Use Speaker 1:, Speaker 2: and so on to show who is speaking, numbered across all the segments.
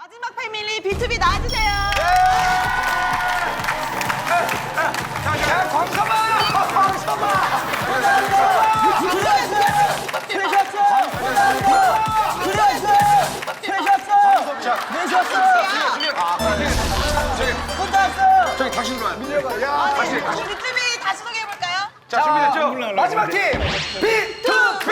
Speaker 1: 마지막 패밀리 B2B 나와주세요.
Speaker 2: 야, 광서봐! 광서봐! 저기 다시 들어와요. 밀려가. 다시.
Speaker 1: B2B 다시 소개해볼까요?
Speaker 2: 자, 준비됐죠? 마지막 팀! B2B!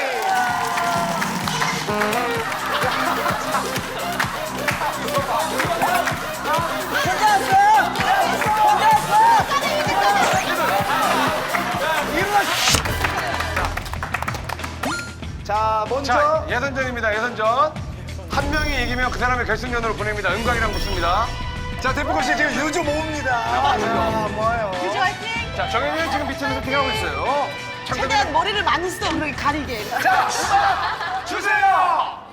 Speaker 2: 자, 먼저 자, 예선전입니다. 예선전. 한 명이 이기면 그 사람의 결승전으로 보냅니다. 은광이랑 붙습니다. 자, 대포건 씨 지금 유주 모읍니다. 뭐예요?
Speaker 1: 유주 화이팅!
Speaker 2: 자, 정현이는 지금 밑에서 세팅하고 있어요.
Speaker 1: 최대한 머리를 많이 써, 그렇게 가리게.
Speaker 2: 자, 음악 주세요!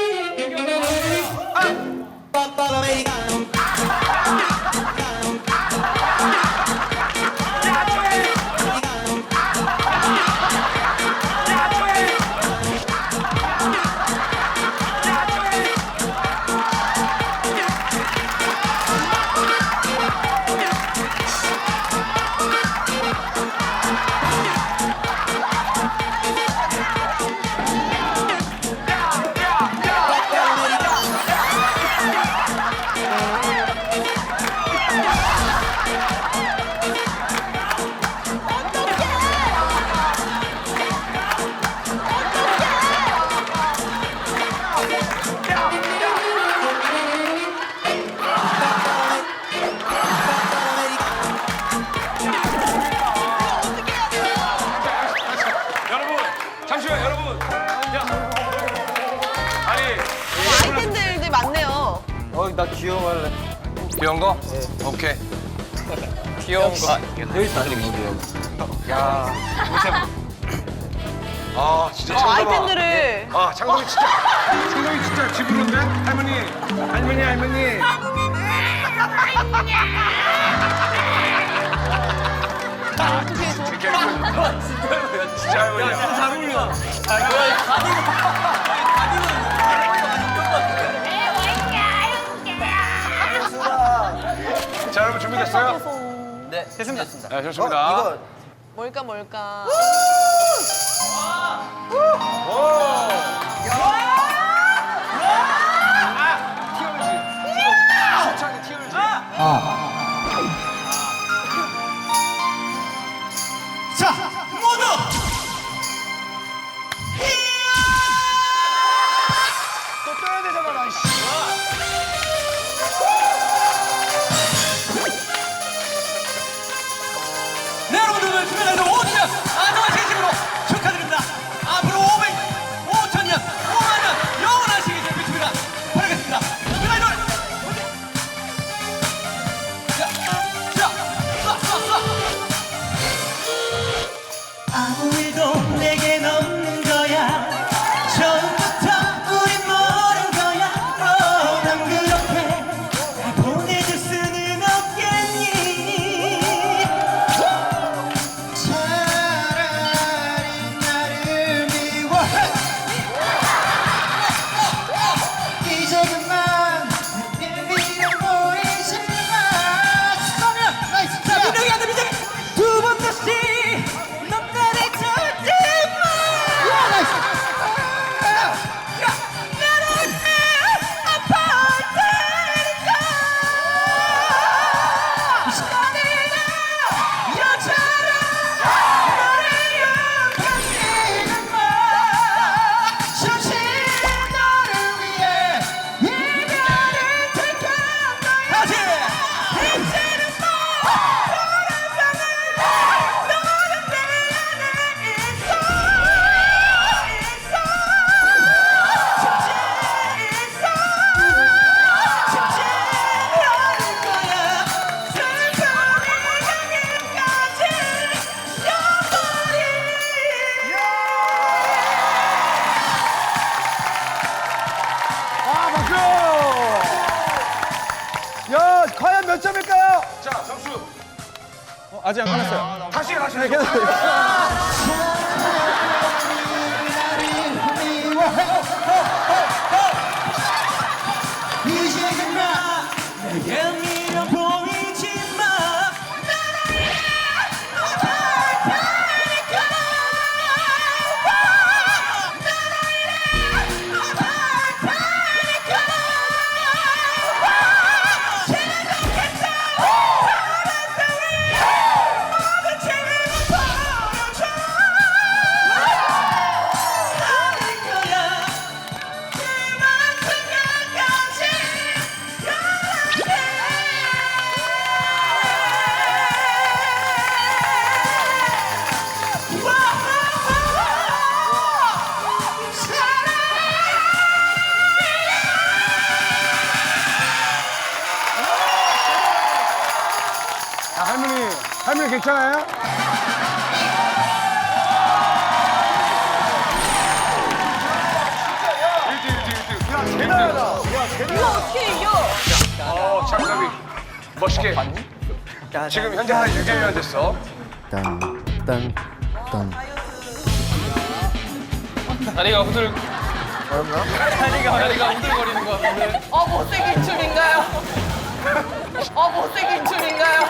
Speaker 2: 여러분, 잠시만, 여러분. 야, 아니,
Speaker 1: 아이템들이 많네요.
Speaker 3: 나 귀여워 할래.
Speaker 2: 귀여운 거? 오케이.
Speaker 3: 귀여운 거. 여기 있다.
Speaker 2: 야, 아, 진짜 창섭아.
Speaker 1: 아이템들을.
Speaker 2: 아, 창섭이 진짜 집으로인데? 할머니.
Speaker 1: 어떻게 저.
Speaker 2: 진짜 할머니야.
Speaker 3: 잘 어울려.
Speaker 2: 자, 여러분 준비됐어요?
Speaker 3: 네, 됐습니다.
Speaker 2: 네, 좋습니다.
Speaker 1: 뭘까?
Speaker 3: 자, 모두
Speaker 2: 또 떠야 되잖아, 나.
Speaker 3: 네, 여러분들 주변에서 5년 안녕한 진심으로 축하드립니다. 앞으로 500년, 5만 년 영원하시길 비춥니다. 바라겠습니다. 그날들 아무 일도 내겐 없는 거야. 처음부터 우린 모른 거야. 난 그렇게 보내줄 수는 없겠니. 차라리 나를 미워해. 이제 그만 내게 미련 보이지 마. 그러면 나이스. 자, 민정이 안 돼, 민정이. 두 번 다시 넌 나를 찾지 마. 야, 나이스. 야, 나는 아파할 테니까. 시간이나 여자라 너를 욕하지는 마. 잠시 너를 위해 이별을 택한 거야. 다시. 이제는 너는 내 안에 있어. 직진하는 거야. 슬픔이 여기까지 여버린.
Speaker 2: 아, 박수! 야, 과연 몇 점일까요? 자, 점수.
Speaker 3: 아직 안 끝났어요.
Speaker 2: 다시.
Speaker 4: 이제
Speaker 3: 예민해 보이지만
Speaker 2: 아, 할머니 괜찮아요?
Speaker 1: 이거 어떻게 이겨?
Speaker 2: 창섭이 멋있게. 지금 현재 한 6개월 됐어.
Speaker 4: 다리가 후들 다리가 후들거리는 것 같은데.
Speaker 1: 못생긴 춤인가요? 못생긴 춤인가요?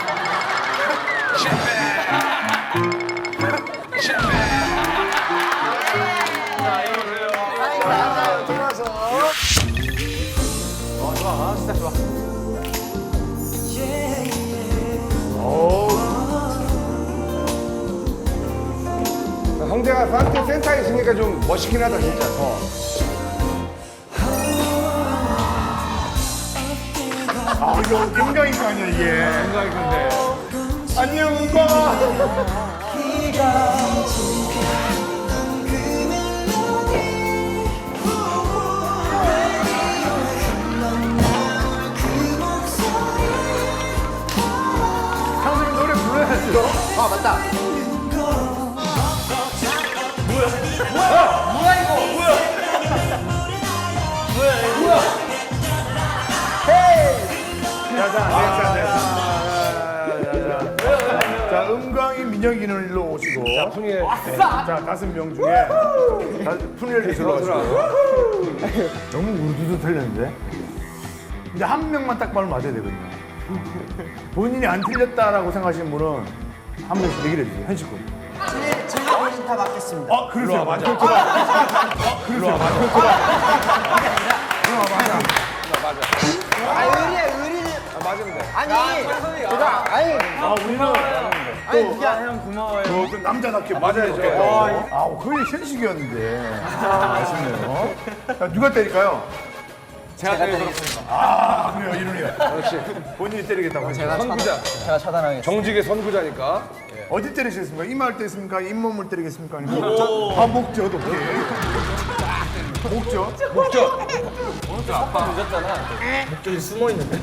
Speaker 2: 형제가 산트 센터에 있으니까 좀 멋있긴 하다 진짜.
Speaker 5: 아, 이거 은광이가 아니야, 이게.
Speaker 2: 생각이 근데.
Speaker 5: 안녕, 은광. 형님 노래 불러야죠. 아, 맞다. 자, 은광이 민혁이는 일로 오시고.
Speaker 2: 자, 풍예.
Speaker 5: 자, 5명 중에 푸니엘 리스로 오시고. 너무 우르르 틀렸는데? 이제 한 명만 딱 말을 맞아야 되거든요. 본인이 안 틀렸다라고 생각하시는 분은 한 명씩 얘기를 해주세요. 현식군.
Speaker 6: 제가 본인 다 맡겠습니다.
Speaker 5: 그러세요. 맞아. 그러세요.
Speaker 6: 의리는.
Speaker 2: 맞으면 돼.
Speaker 6: 아니, 제가, 아니,
Speaker 5: 우리는
Speaker 6: 그게 아니라 고마워요.
Speaker 5: 그 남자답게
Speaker 2: 맞아야죠.
Speaker 5: 거의 현식이었는데. 아쉽네요. 자, 누가 때릴까요?
Speaker 4: 제가 때리겠습니다.
Speaker 5: 그래요, 이론이요.
Speaker 2: 역시
Speaker 5: 본인이 때리겠다고 하시죠.
Speaker 2: 선구자.
Speaker 6: 제가 차단하겠습니다.
Speaker 2: 정직의 선구자니까.
Speaker 5: 어디 때리시겠습니까? 이마를 때리겠습니까? 잇몸을 때리겠습니까? 아니면 목젖 어떻게? 목젖?
Speaker 4: 목줄이 숨어 있는데.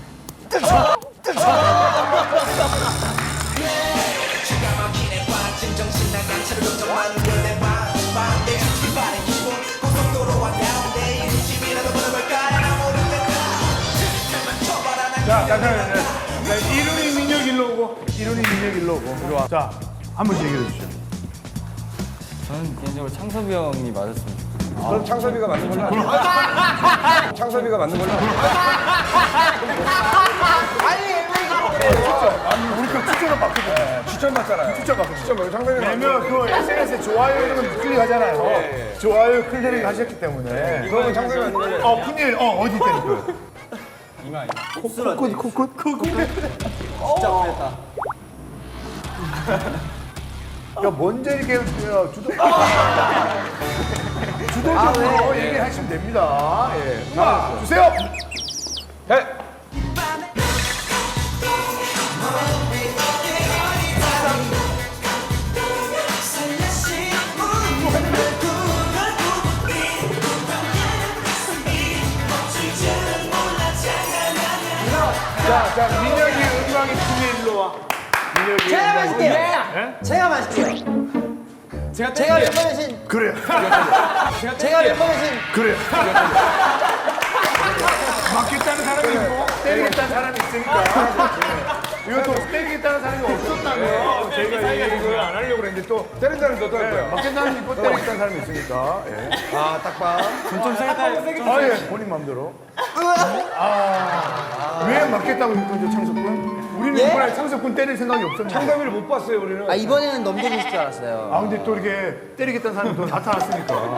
Speaker 5: 자, 이론이 민혁 일로 오고, 이론이 민혁 일로 오고. 자, 한 번씩 얘기해 주시죠.
Speaker 4: 저는 개인적으로 창섭이 형이 맞았으면 좋겠어요.
Speaker 2: 그럼 창섭이가 맞는 걸로 하자. 창섭이가 맞는 걸로 하자.
Speaker 5: 우리 그 추천을 받거든요.
Speaker 2: 추천 받잖아요.
Speaker 5: 추천 받거든요.
Speaker 2: 추천 받고 창섭이가
Speaker 5: 왜냐면 그 SNS에 좋아요 이런 건 클릭하잖아요. 좋아요 클릭 하셨기 때문에.
Speaker 2: 그러면 창섭이가 맞는 걸로 해.
Speaker 5: 푸니엘, 어디 때릴까요?
Speaker 4: 이마.
Speaker 5: 코끝?
Speaker 6: 진짜 그랬다.
Speaker 5: 야, 먼저 이렇게 주도적으로 얘기하시면 됩니다. 예. 음악 주세요.
Speaker 2: 해.
Speaker 5: 자, 민혁이, 은광이, 푸니엘로 와. 민혁이.
Speaker 6: 제가 마실게요.
Speaker 5: 예?
Speaker 6: 제가 마실게요. 제가 멤버 대신,
Speaker 5: 그래요.
Speaker 6: 제가 멤버 대신,
Speaker 5: 그래요. 맞겠다는 사람이 있고 때리겠다는 사람이 있으니까. 이것도 때리겠다는 사람이 없었다면 저희가 이걸 안 하려고 그랬는데 또
Speaker 2: 때린다는 것도 할 거야.
Speaker 5: 맞겠다는 사람이 있고 때리겠다는 사람이 있으니까. 예.
Speaker 2: 아, 딱 봐.
Speaker 5: 예, 본인 마음대로. 왜 맞겠다고 이거 창석군? 우리는
Speaker 6: 예?
Speaker 5: 이번에 창석군 때릴 생각이 없었는데.
Speaker 2: 창섭이를 못 봤어요 우리는.
Speaker 6: 아 이번에는 넘겨주실 줄 알았어요.
Speaker 5: 아 근데 또 이렇게 때리겠다는 사람이 또 나타났으니까.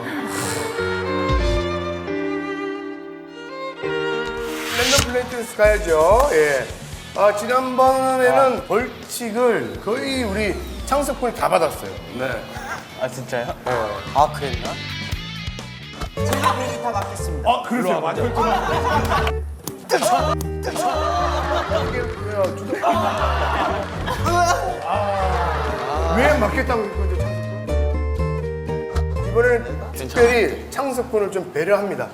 Speaker 5: 랜덤 플레이트스 가야죠. 예. 지난번에는 벌칙을 거의 우리 창석군이 다 받았어요.
Speaker 2: 네.
Speaker 4: 아 진짜요?
Speaker 6: 아 그랬나? 제가 벌칙 다 맡겠습니다.
Speaker 5: 그러세요. 맞아. 왜 맞겠다고 이거 이제 창석군? 이번에는 특별히 창석군을 좀 배려합니다.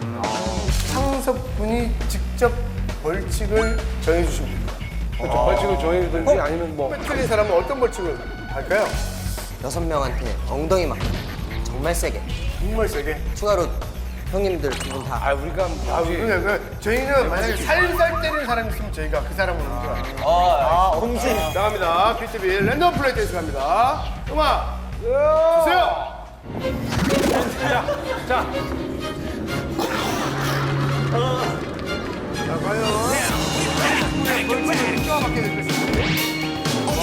Speaker 5: 창석군이 직접 벌칙을 정해주시면 됩니다.
Speaker 2: 그렇죠. 벌칙을 정해주든지 아니면 뭐.
Speaker 5: 틀린 사람은 어떤 벌칙을 할까요?
Speaker 6: 6명한테 엉덩이 맞기 정말 세게
Speaker 5: 정말 세게.
Speaker 6: 추가로 형님들 두 분 다.
Speaker 2: 아 우리가
Speaker 5: 그러니까 저희는 만약에 살살 때리는 사람이 있으면 저희가 그 사람을 옮겨요.
Speaker 6: 홍신.
Speaker 5: 나갑니다. BTV 랜덤 플레이 댄스 갑니다. 음악 주세요.
Speaker 2: 자.
Speaker 5: 자, 과연 벌칙을 누가 받게 될 것인지.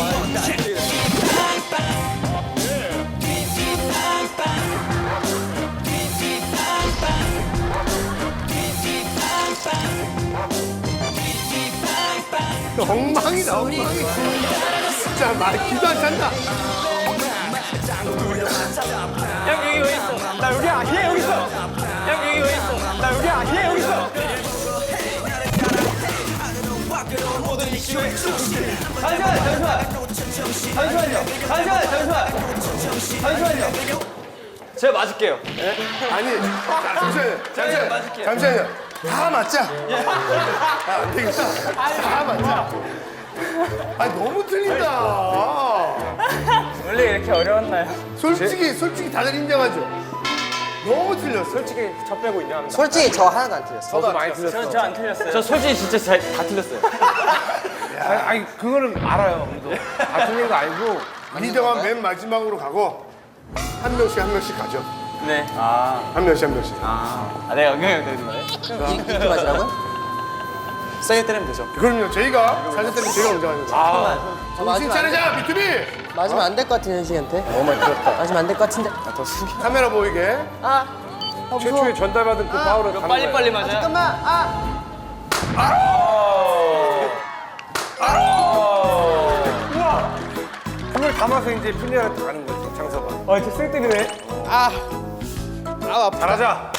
Speaker 5: 엉망이다, 엉망이. 진짜 말 기도 안 찬다.
Speaker 1: 형 여기 왜 있어? 나 여기 아니야 여기 있어. 형 여기 왜 있어? 나 여기 아니야 여기 있어. 잠시만요. 제가 맞을게요.
Speaker 5: 아니, 잠시만요. 다 맞자. 안 되겠다. 다 맞자. 아니, 너무 틀린다.
Speaker 1: 원래 이렇게 어려웠나요?
Speaker 5: 솔직히 다들 인정하죠? 너무 틀렸어.
Speaker 2: 솔직히 저 빼고 인정합니다.
Speaker 6: 솔직히 저 하나도 안 틀렸어요.
Speaker 2: 저도 많이 틀렸어.
Speaker 1: 저 안 틀렸어요.
Speaker 4: 저 솔직히 진짜 다 틀렸어요.
Speaker 2: 아니 그거는 알아요. 우리도. 다 틀린 거 알고.
Speaker 5: 리더가 맨 마지막으로 가고 한 명씩 가죠.
Speaker 4: 네.
Speaker 5: 한 명씩.
Speaker 4: 내가 영향을 내는 거예요?
Speaker 6: 이렇게 맞으라고요?
Speaker 4: 세게 때리면 되죠.
Speaker 5: 그럼요. 저희가 살살 때리면 저희가 먼저 하는 거예요.
Speaker 6: 저
Speaker 5: 정신 차리자, 비투비!
Speaker 6: 맞으면 안 될 것 같은 현식한테. 맞으면 안 될 것 같은데.
Speaker 5: 카메라 보이게.
Speaker 2: 최초에 전달받은 그 파울을 가는 거예요.
Speaker 1: 빨리 맞아요.
Speaker 6: 잠깐만.
Speaker 2: 그걸 담아서 이제 필리아한테 가는 거죠, 장서가.
Speaker 1: 이렇게 쓸데기네.
Speaker 2: 잘하자.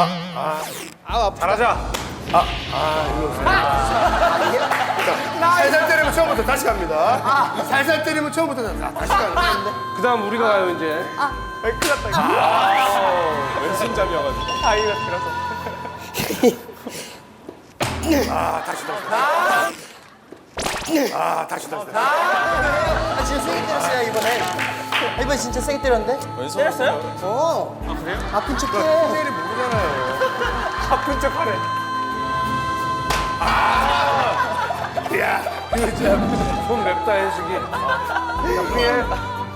Speaker 2: 잘하자.
Speaker 5: 살살 때리면 처음부터 다시 갑니다. 살살 때리면 처음부터 다시 가는 거예요.
Speaker 2: 그 다음 우리가 가요, 이제.
Speaker 4: 왼손잡이여가지고.
Speaker 5: 다시.
Speaker 6: 진짜 세게 때렸어요 이번에. 이번에 진짜 세게 때렸는데?
Speaker 1: 때렸어요?
Speaker 6: 그래요? 아픈 척해.
Speaker 5: 스타일이 모르잖아요.
Speaker 2: 아픈 척 하네.
Speaker 5: 야, 이거 진짜.
Speaker 2: 손 맵다, 현식이. 나쁘게.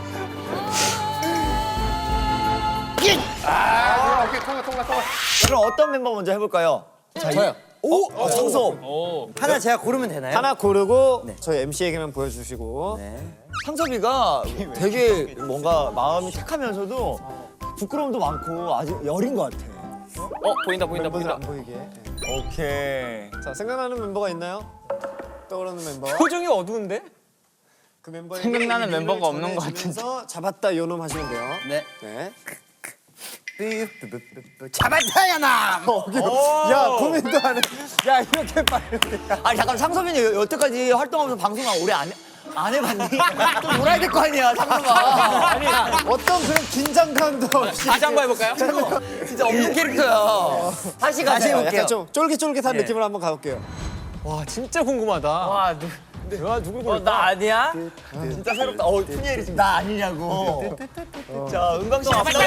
Speaker 5: 오케이, 통과.
Speaker 7: 그럼 어떤 멤버 먼저 해볼까요?
Speaker 6: 저요.
Speaker 7: 오! 창섭!
Speaker 6: 하나 제가 고르면 되나요?
Speaker 7: 하나 고르고 저희 MC에게만 보여주시고
Speaker 6: 네.
Speaker 7: 창섭이가 되게 뭔가 마음이 착하면서도 부끄러움도 많고 아주 여린 것 같아.
Speaker 1: 보인다.
Speaker 7: 멤버들 안 보이게. 오케이. 자, 생각나는 멤버가 있나요? 떠오르는 멤버.
Speaker 1: 표정이 어두운데?
Speaker 7: 그 멤버에게
Speaker 1: 생각나는
Speaker 7: 의미를
Speaker 1: 멤버가 없는 것
Speaker 7: 전해주면서 잡았다 요놈 하시면 돼요.
Speaker 6: 네.
Speaker 7: 네.
Speaker 6: 잡았다 야나.
Speaker 7: 야, 고민도 하네.
Speaker 6: 야 이렇게 빨리.
Speaker 7: 아니 잠깐 창섭이는 여태까지 활동하면서 방송을 오래 안 해봤니? 좀 놀아야 될 거 아니야, 창섭아. 아니 어떤 그런 긴장감도 없이.
Speaker 1: 다시 한번 해볼까요?
Speaker 6: 진짜 없는 캐릭터야. 다시
Speaker 7: 다시
Speaker 6: 가세요.
Speaker 7: 해볼게요. 좀 쫄깃쫄깃한 느낌으로 한번 가볼게요.
Speaker 1: 와 진짜 궁금하다. 와
Speaker 7: 누굴 고를까?
Speaker 1: 나 아니야?
Speaker 7: 진짜 새롭다. 푸니엘이 지금 나 아니냐고. 자, 은광 씨 앞서.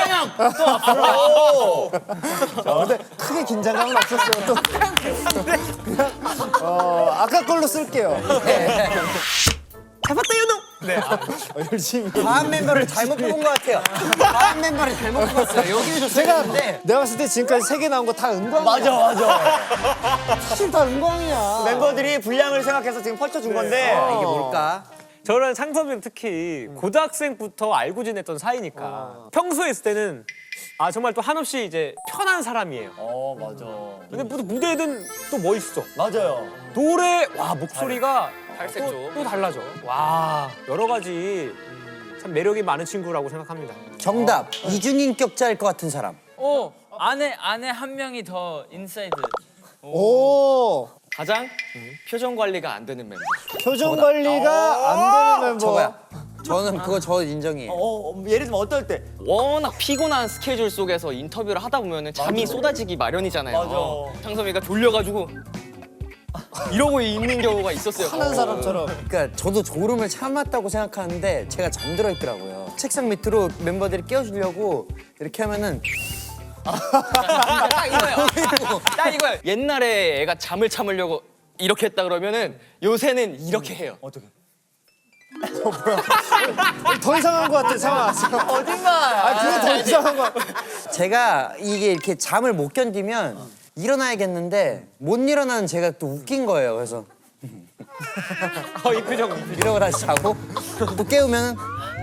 Speaker 7: 자, 근데 크게 긴장감은 없었어요. 또. 그냥 아까 걸로 쓸게요.
Speaker 6: 잡았다 요놈.
Speaker 1: 네.
Speaker 5: 열심히.
Speaker 7: 다음 멤버를 잘못 뽑은 것 같아요. 다음 멤버를 잘못 뽑았어요. 여기를 줬었는데.
Speaker 6: 내가 봤을 때 지금까지 3개 나온 거 다 은광이야.
Speaker 7: 맞아.
Speaker 6: 사실 다 은광이야.
Speaker 7: 멤버들이 분량을 생각해서 지금 펼쳐준 건데 이게 뭘까?
Speaker 1: 저는 창섭이 형 특히 고등학생부터 알고 지냈던 사이니까 평소에 있을 때는 정말 또 한없이 이제 편한 사람이에요.
Speaker 7: 맞아.
Speaker 1: 근데 무대든 또 멋있어.
Speaker 7: 맞아요.
Speaker 1: 노래 목소리가 또 달라져. 와 여러 가지 참 매력이 많은 친구라고 생각합니다.
Speaker 7: 정답. 이중인격자일 것 같은 사람.
Speaker 4: 안에 한 명이 더 인사이드.
Speaker 6: 오.
Speaker 8: 가장 표정 관리가 안 되는 멤버.
Speaker 6: 표정 관리가 안 되는 멤버.
Speaker 7: 저거야. 저는 그거 저 인정이에요. 예를 들면 어떨 때?
Speaker 8: 워낙 피곤한 스케줄 속에서 인터뷰를 하다 보면 잠이 쏟아지기 마련이잖아요.
Speaker 7: 맞아.
Speaker 8: 창섭이가 졸려가지고 이러고 있는 경우가 있었어요.
Speaker 6: 하는 사람처럼.
Speaker 7: 그러니까 저도 졸음을 참았다고 생각하는데 제가 잠들어 있더라고요. 책상 밑으로 멤버들이 깨워주려고 이렇게 하면은
Speaker 8: 딱 이거예요. 딱 이거예요. 옛날에 애가 잠을 참으려고 이렇게 했다 그러면은 요새는 이렇게 해요.
Speaker 7: 어떻게?
Speaker 6: 더 이상한 것 같아, 상황.
Speaker 7: 어딘가.
Speaker 6: 그게 더 이상한 것 같아.
Speaker 7: 제가 이게 이렇게 잠을 못 견디면 일어나야겠는데 못 일어나는 제가 또 웃긴 거예요. 그래서
Speaker 1: 이 표정.
Speaker 7: 이러고 다시 자고 또 깨우면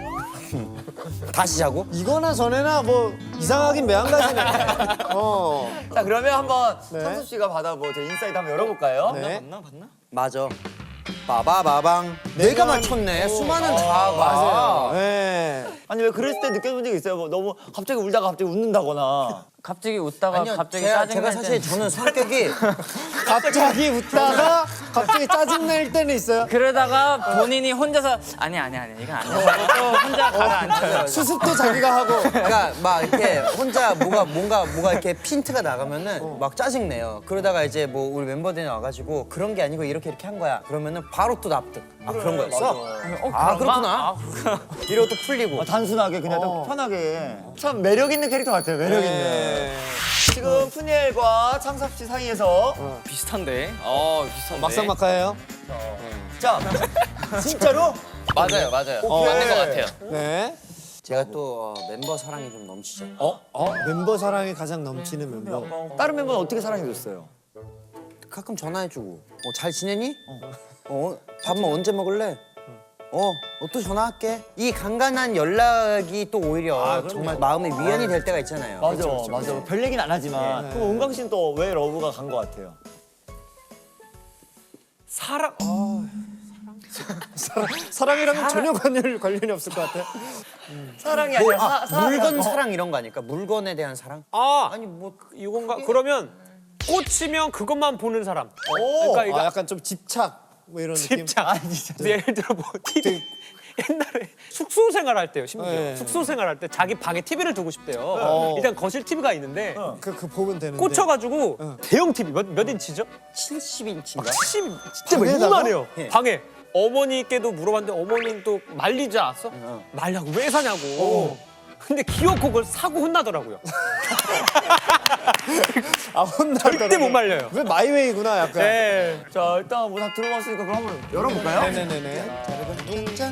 Speaker 7: 다시 자고.
Speaker 6: 이거나 전에나 뭐 이상하긴 매한가지네.
Speaker 7: 자 그러면 한번 창섭 씨가 받아 제 인사이드 한번 열어볼까요?
Speaker 6: 네.
Speaker 7: 맞아. 빠바바방. 내가 맞췄네. 수많은 자아가.
Speaker 6: 네.
Speaker 7: 아니 왜 그랬을 때 느껴본 적 있어요? 뭐 너무 갑자기 울다가 갑자기 웃는다거나.
Speaker 4: 갑자기 웃다가
Speaker 7: 아니요,
Speaker 4: 갑자기
Speaker 7: 제가
Speaker 4: 짜증날
Speaker 7: 사실 저는 성격이
Speaker 6: 갑자기 웃다가 갑자기 짜증낼 때는 있어요.
Speaker 4: 그러다가 본인이 혼자서 아니 이건 아니야. 또 혼자 가라앉아요.
Speaker 6: 수습도 자기가 하고.
Speaker 7: 그러니까 막 이렇게 혼자 뭐가 이렇게 핀트가 나가면은 막 짜증 내요. 그러다가 이제 뭐 우리 멤버들이 와가지고 그런 게 아니고 이렇게 한 거야. 그러면은 바로 또 납득. 그런 거였어? 그렇구나. 이러고 또 풀리고.
Speaker 9: 단순하게 그냥 딱 편하게. 참 매력 있는 캐릭터 같아요. 매력 있는.
Speaker 7: 지금 푸니엘과 창섭 씨 사이에서
Speaker 8: 비슷한데. 비슷한데.
Speaker 6: 막상막하예요.
Speaker 7: 자 진짜로
Speaker 8: 맞아요. 맞는 것 같아요.
Speaker 6: 네.
Speaker 7: 제가 또 멤버 사랑이 좀 넘치죠.
Speaker 6: 멤버 사랑이 가장 넘치는 멤버.
Speaker 9: 다른 멤버는 어떻게 사랑해줬어요?
Speaker 7: 가끔 전화해주고 잘 지내니? 밥은 언제 먹을래? 또 전화할게. 이 간간한 연락이 또 오히려 정말 마음의 위안이 될 때가 있잖아요.
Speaker 9: 맞아. 별 얘기는 안 하지만. 그럼 은광 씨는 또 왜 러브가 간 것 같아요?
Speaker 6: 사랑이랑은 전혀 관련이 없을 것 같아.
Speaker 7: 사랑이 아니라 물건 사랑 이런 거 아닐까? 물건에 대한 사랑?
Speaker 1: 아니 뭐 이건가? 그러면 꽂히면 그것만 보는 사람. 그러니까 이거
Speaker 6: 약간 좀 집착 뭐 이런 느낌.
Speaker 1: 집착. 예를 들어 뭐 TV 옛날에 숙소 생활할 때요. 심지어
Speaker 6: 네.
Speaker 1: 숙소 생활할 때 자기 방에 TV를 두고 싶대요. 일단 거실 TV가 있는데
Speaker 6: 그 보면 되는데.
Speaker 1: 꽂혀가지고 대형 TV 몇 인치죠?
Speaker 7: 70인치인가?
Speaker 1: 70 진짜 막
Speaker 6: 방에다가?
Speaker 1: 이만해요. 방에 어머니께도 물어봤는데 어머니는 또 말리지 않았어? 말라고 왜 사냐고. 근데 기어코 그걸 사고 혼나더라고요.
Speaker 6: 혼나더라고.
Speaker 1: 절대 못 말려요.
Speaker 6: 왜 마이웨이구나 약간.
Speaker 1: 네.
Speaker 9: 자 일단 뭐 다 들어봤으니까 그럼 한번 열어볼까요?
Speaker 6: 네네네네. 짠.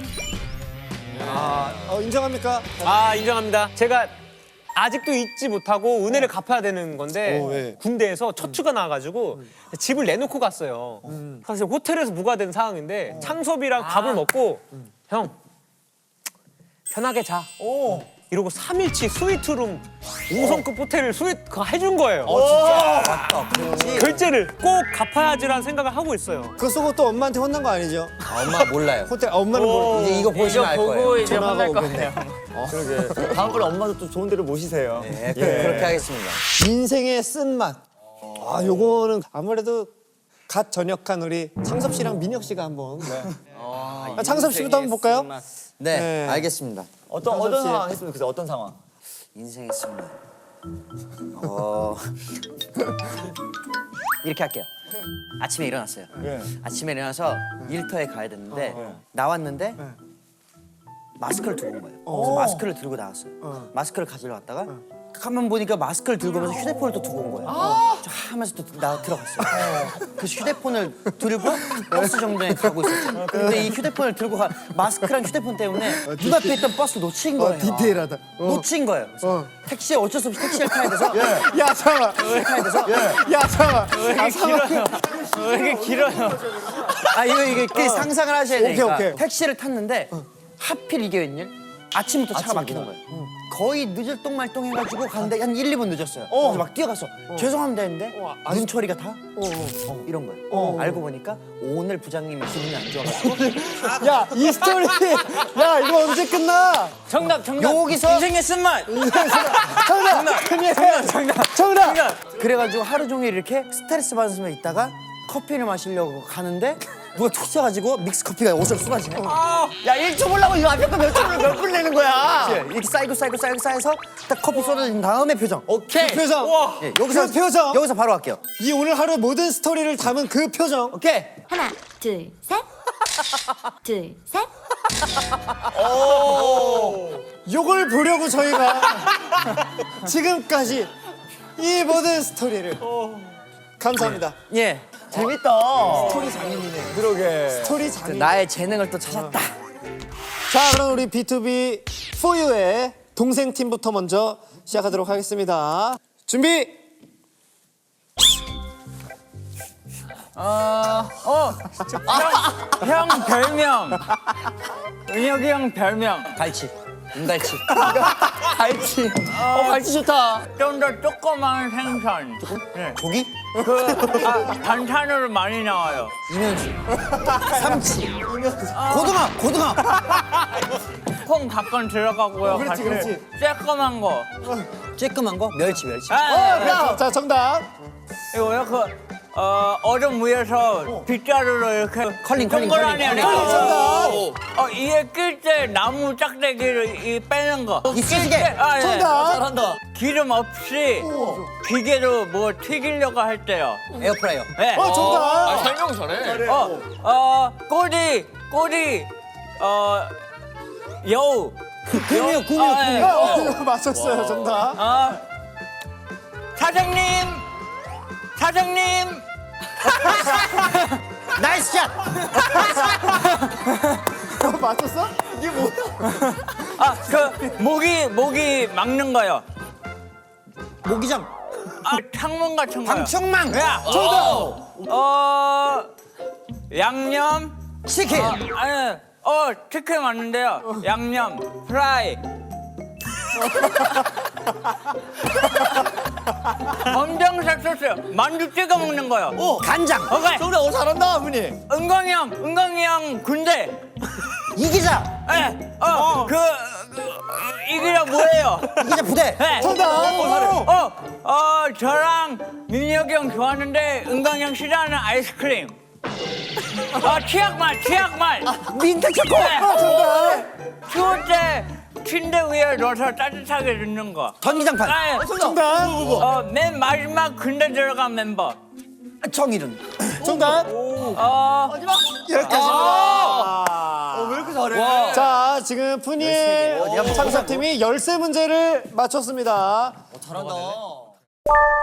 Speaker 6: 인정합니까?
Speaker 1: 인정합니다. 제가 아직도 잊지 못하고 은혜를 갚아야 되는 건데
Speaker 6: 왜?
Speaker 1: 군대에서 처추가 나와가지고 집을 내놓고 갔어요. 그래서 호텔에서 무과된 상황인데 창섭이랑 밥을 먹고 형 편하게 자. 이러고 3일치 스위트룸 5성급 호텔을 그거 해준 거예요.
Speaker 7: 맞다.
Speaker 1: 결제를 꼭 갚아야지라는 생각을 하고 있어요.
Speaker 6: 그거 쓰고 또 엄마한테 혼난 거 아니죠?
Speaker 7: 엄마 몰라요.
Speaker 6: 호텔 엄마는 모르고.
Speaker 7: 이제 이거 보시면 알
Speaker 4: 보고
Speaker 7: 거예요.
Speaker 4: 이제
Speaker 6: 전화가
Speaker 4: 혼날
Speaker 6: 오겠네.
Speaker 4: 거예요.
Speaker 9: 다음번에 엄마도 또 좋은 데로 모시세요.
Speaker 7: 네, 그렇게 하겠습니다.
Speaker 6: 인생의 쓴맛. 요거는 아무래도 갓 전역한 우리 창섭 씨랑 민혁 씨가 한번. 창섭 씨부터 한번 볼까요?
Speaker 7: 네,
Speaker 6: 네.
Speaker 7: 알겠습니다.
Speaker 9: 어떤 상황 했으면 좋겠어요? 어떤 상황?
Speaker 7: 인생의 쓴맛. 이렇게 할게요. 아침에 일어났어요. 아침에 일어나서 일터에 가야 됐는데 나왔는데 마스크를 두고 온 거예요. 그래서 마스크를 들고 나왔어요. 마스크를 가지러 갔다가 가만 보니까 마스크를 들고 오면서 휴대폰을 또 두고 온 거예요. 저 하면서 또 나 들어갔어요. 그래서 휴대폰을 들고 버스 정류장에 가고 있었죠. 근데 이 휴대폰을 들고 마스크랑 휴대폰 때문에 눈앞에 있던 버스를 놓친 거예요.
Speaker 6: 디테일하다.
Speaker 7: 놓친 거예요. 그래서 택시에 어쩔 수 없이 택시를 타야 돼서
Speaker 6: 야 잠깐만.
Speaker 7: 타야 돼서
Speaker 6: 야 잠깐만.
Speaker 8: 왜 이렇게 길어요?
Speaker 7: 아 이게 상상을 하셔야 되니까
Speaker 6: 오케이.
Speaker 7: 택시를 탔는데 하필 이게 웬일? 아침부터 차가 막히는 거예요. 거의 늦을 똥말똥 해가지고 갔는데 한 1, 2분 늦었어요. 그래서 막 뛰어갔어. 죄송합니다 했는데 눈초리가 다 이런 거예요. 알고 보니까 오늘 부장님이 기분이 안 좋아가지고
Speaker 6: 야 이 스토리. 야 이거 언제 끝나?
Speaker 8: 정답.
Speaker 7: 여기서
Speaker 8: 인생의 쓴맛.
Speaker 6: 정답.
Speaker 7: 그래가지고 하루 종일 이렇게 스트레스 받으면서 있다가 커피를 마시려고 가는데 누가 툭 쳐가지고 믹스 커피가 옷을 쏟아지네.
Speaker 9: 야 1초 보려고 이거 앞에 거 몇 분 내는 거야?
Speaker 7: 이렇게 쌓여서 딱 커피 쏟아진 다음에 표정.
Speaker 6: 오케이. 그 표정.
Speaker 7: 예, 여기서
Speaker 6: 그 표정.
Speaker 7: 여기서 바로 할게요.
Speaker 6: 이 오늘 하루 모든 스토리를 담은 그 표정.
Speaker 7: 오케이.
Speaker 10: 하나, 둘, 셋. 둘, 셋.
Speaker 6: 요걸 보려고 저희가 지금까지 이 모든 스토리를 감사합니다.
Speaker 7: 예.
Speaker 9: 재밌다.
Speaker 6: 스토리 장인이네. 그러게. 스토리 장인.
Speaker 7: 나의 재능을 또 찾았다.
Speaker 6: 자, 그럼 우리 B2B 4U의 동생 팀부터 먼저 시작하도록 하겠습니다. 준비.
Speaker 8: 형 별명. 은혁이 형 별명.
Speaker 7: 갈치. 은갈치.
Speaker 9: 갈치. 갈치 좋다.
Speaker 8: 좀 더 조그만 생선. 네.
Speaker 7: 고기?
Speaker 8: 반찬으로 많이 나와요.
Speaker 7: 이면수. 삼치. 고등어.
Speaker 8: 콩 가끔 들어가고요.
Speaker 6: 그렇지, 그렇지.
Speaker 8: 쬐끄만 거.
Speaker 7: 쬐끄만 거? 멸치.
Speaker 6: 자, 정답.
Speaker 8: 이거 이렇게 얼음 위에서 빗자루로 이렇게
Speaker 7: 컬링.
Speaker 8: 동그라미 안에
Speaker 6: 정답.
Speaker 8: 이에 낄 때 나무 짝대기를 빼는 거.
Speaker 7: 이쑤시개.
Speaker 8: 예.
Speaker 6: 정답.
Speaker 9: 잘한다.
Speaker 8: 기름 없이 기계로 뭐 튀기려고 할 때요.
Speaker 7: 에어프라이어.
Speaker 8: 네.
Speaker 6: 정답.
Speaker 8: 설명 잘해. 꼬리, 여우.
Speaker 7: 구미호.
Speaker 6: 맞췄어요, 정답.
Speaker 8: 사장님.
Speaker 7: 나이스 샷.
Speaker 6: 맞췄어?
Speaker 8: 모기 막는 거요.
Speaker 7: 모기장.
Speaker 8: 창문 같은 거요.
Speaker 7: 방충망.
Speaker 8: 야,
Speaker 6: 정답.
Speaker 8: 양념.
Speaker 7: 치킨.
Speaker 8: 아니, 치킨 맞는데요. 양념, 프라이. 검정색 소스, 만두 찍어 먹는 거요.
Speaker 7: 간장.
Speaker 8: 오케이.
Speaker 9: 정답 잘한다 훈이.
Speaker 8: 은광이 형 군대.
Speaker 7: 이기자.
Speaker 8: 예, 이게 뭐예요?
Speaker 7: 이기자 부대.
Speaker 8: 네.
Speaker 6: 정답.
Speaker 8: 저랑 민혁이 형 좋아하는데 은광이 형 싫어하는 아이스크림. 치약말.
Speaker 7: 민트 초코.
Speaker 8: 네. 추울 때 침대 위에 넣어서 따뜻하게 넣는 거.
Speaker 7: 전기장판.
Speaker 8: 네.
Speaker 6: 정답.
Speaker 8: 맨 마지막 군대 들어간 멤버.
Speaker 7: 정일은.
Speaker 6: 정답. 여기까지입니다.
Speaker 9: 왜 이렇게 잘해?
Speaker 6: 자, 지금 푸니엘 창섭팀이 13문제를 맞췄습니다.
Speaker 9: 잘한다.